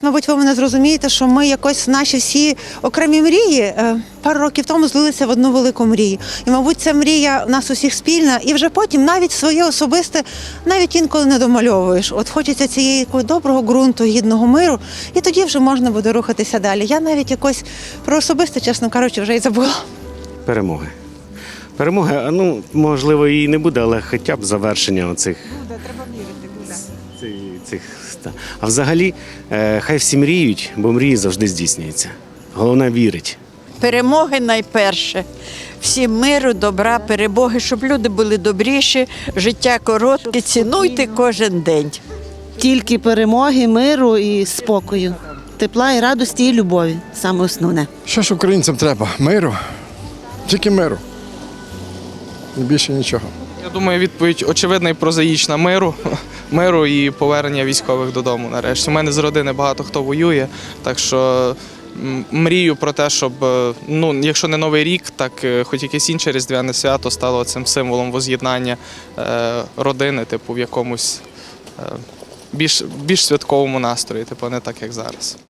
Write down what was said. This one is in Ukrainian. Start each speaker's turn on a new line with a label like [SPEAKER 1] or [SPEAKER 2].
[SPEAKER 1] Мабуть, ви мене зрозумієте, що ми якось наші всі окремі мрії пару років тому злилися в одну велику мрію. І, мабуть, ця мрія у нас усіх спільна, і вже потім навіть своє особисте, навіть інколи не домальовуєш. От хочеться цієї доброго ґрунту, гідного миру, і тоді вже можна буде рухатися далі. Я навіть якось про особисте, чесно кажучи, вже й забула.
[SPEAKER 2] Перемоги. Перемоги, можливо, і не буде, але хоча б завершення оцих.
[SPEAKER 1] Буде, треба вірити, буде.
[SPEAKER 2] А взагалі, хай всі мріють, бо мрії завжди здійснюються. Головне вірить.
[SPEAKER 3] Перемоги найперше. Всім миру, добра, перемоги, щоб люди були добріші, життя коротке, цінуйте кожен день.
[SPEAKER 4] Тільки перемоги, миру і спокою. Тепла і радості, і любові. Саме основне.
[SPEAKER 5] Що ж українцям треба? Миру. Тільки миру. І більше нічого.
[SPEAKER 6] Я думаю, відповідь очевидна і прозаїчна. Миру і повернення військових додому нарешті. У мене з родини багато хто воює, так що мрію про те, щоб, якщо не Новий рік, так хоч якесь інше різдвяне свято стало цим символом воз'єднання родини, в якомусь більш святковому настрої, не так, як зараз.